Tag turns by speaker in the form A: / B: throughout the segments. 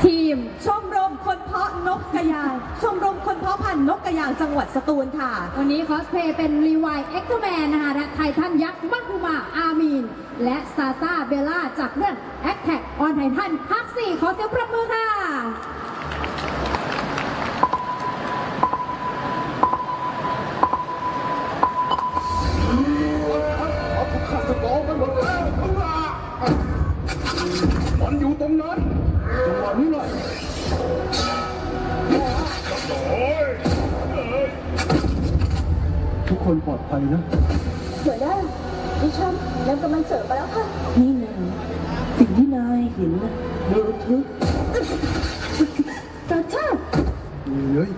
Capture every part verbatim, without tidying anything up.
A: ทีม
B: ชมรมคนเพาะนกกระยางชมรมคนเพาะพันธุ์นกกระยางจังหวัดสตูลค่ะ
A: วันนี้คอสเพลย์เป็นรีไวเอ็กซ์แมนนะคะและไททันยักษ์มักคุมาอามีนและซาซาเบลล่าจากเรื่องแอคแท็กออนไททันภาคสี่ขอเสียงปรบมือค่ะ
C: มันอยู่ตรงนั้นจังหวะนี้เลยทุกคนปลอดภัยนะ
D: หัวหน้าดิฉันนำกำลังเสริมมาแล้วค่ะ
E: นี่นะสิ่งที่นายเห็นนะโดนทึก
D: ตาชาติ
C: เฮ้ย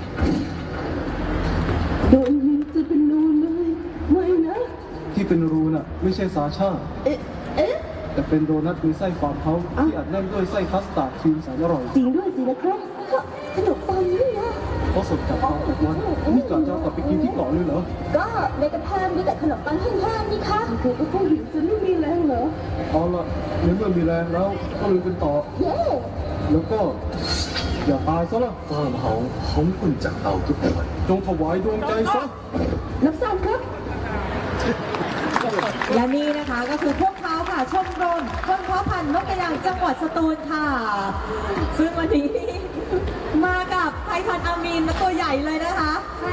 E: โดนยิงจะเป็นรูเลยไม่นะ
C: ที่เป็นรูน่ะไม่ใช่สาชา
E: เอ๊ะเอ๊ะ
C: แต่เป็นโดนัทมีไส้ฟาร์มเฮาส์ที่อัดแน่นด้วยไส้คัสตาร์ดครีมแสนอร่อย
E: จริงด้วยสินะครับ
D: ขนมปังนี่นะ
C: เพราะสดจากฟาร์มทุกวันนี่กะจะเอากลับไปกินที่เกาะเลยเหรอ
D: ก็ในกระเพามีแต่ขนมปังแห้งๆนี่ค่ะ
E: เธอก็คงหิวจนไม่มีแรงเหรอ
C: เอาละในเมื่อมีแรงแล้วก็ลุยกันต่อ
D: เย้
C: แล้วก็อย่าตายซะละ
F: ฟาร์มเฮาส์ของคุณจากเตาทุกวัน
C: จงถวายดวงใจซะ
E: รับทราบครับ
B: และนี่นะคะก็คือพวกเขาค่ะชมรมคนเพาะพันธุ์นกกระยางจังหวัดสตูลค่ะ ซึ่งวันนี้มากับไททันอามีนมาตัวใหญ่เลยนะคะ
A: ใช่